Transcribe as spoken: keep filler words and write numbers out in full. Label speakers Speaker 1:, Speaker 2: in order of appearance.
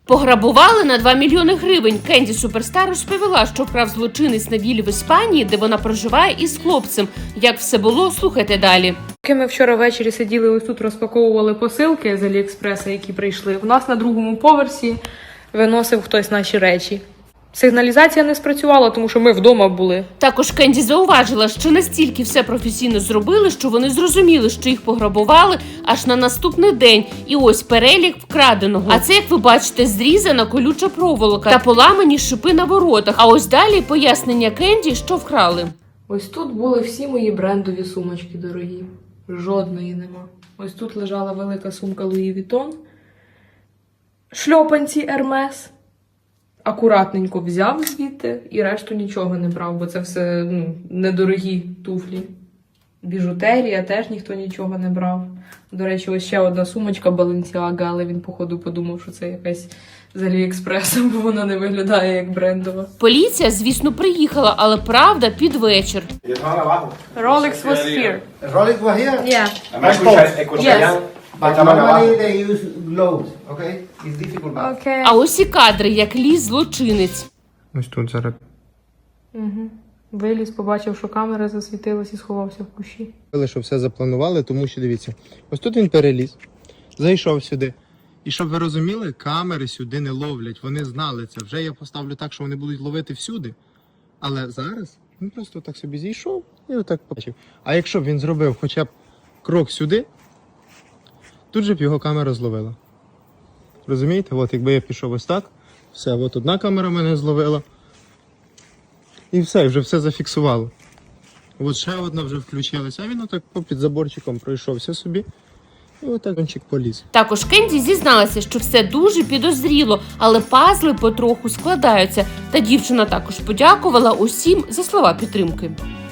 Speaker 1: Пограбували на два мільйони гривень. Кенді Суперстар розповіла, що вкрав злочинець на віллі в Іспанії, де вона проживає із хлопцем. Як все було, слухайте далі.
Speaker 2: Поки ми вчора ввечері сиділи ось тут, розпаковували посилки з Аліекспреса, які прийшли, в нас на другому поверсі виносив хтось наші речі. Сигналізація не спрацювала, тому що ми вдома були.
Speaker 1: Також Кенді зауважила, що настільки все професійно зробили, що вони зрозуміли, що їх пограбували аж на наступний день. І ось перелік вкраденого. А це, як ви бачите, зрізана колюча проволока та поламані шипи на воротах. А ось далі пояснення Кенді, що вкрали.
Speaker 2: Ось тут були всі мої брендові сумочки дорогі. Жодної нема. Ось тут лежала велика сумка Луї Вітон. Шльопанці Ермес. Акуратненько взяв звідти і решту нічого не брав, бо це все ну, недорогі туфлі. Біжутерія теж ніхто нічого не брав. До речі, ось ще одна сумочка Balenciaga, але він, походу, подумав, що це якась з Аліекспресу, бо вона не виглядає як брендова.
Speaker 1: Поліція, звісно, приїхала, але правда під вечір.
Speaker 2: Rolex was here.
Speaker 3: Rolex was here?
Speaker 2: Yeah.
Speaker 3: Yes. But normally they use gloves, okay? It's difficult. But...
Speaker 2: Okay.
Speaker 1: А ось і кадри, як ліз злочинець.
Speaker 4: Ось тут зараз.
Speaker 2: Угу. Виліз, побачив, що камера засвітилась і сховався в кущі.
Speaker 4: Що все запланували, тому що дивіться, ось тут він переліз, зайшов сюди. І щоб ви розуміли, камери сюди не ловлять, вони знали це. Вже я поставлю так, що вони будуть ловити всюди. Але зараз він просто так собі зійшов і отак побачив. А якщо б він зробив хоча б крок сюди, тут же б його камера зловила. Розумієте? От якби я пішов ось так, все, от одна камера мене зловила. І все, вже все зафіксувало. От ще одна вже включилась, а він отак під заборчиком пройшовся собі. І отак кончик поліз.
Speaker 1: Також Кенді зізналася, що все дуже підозріло, але пазли потроху складаються. Та дівчина також подякувала усім за слова підтримки.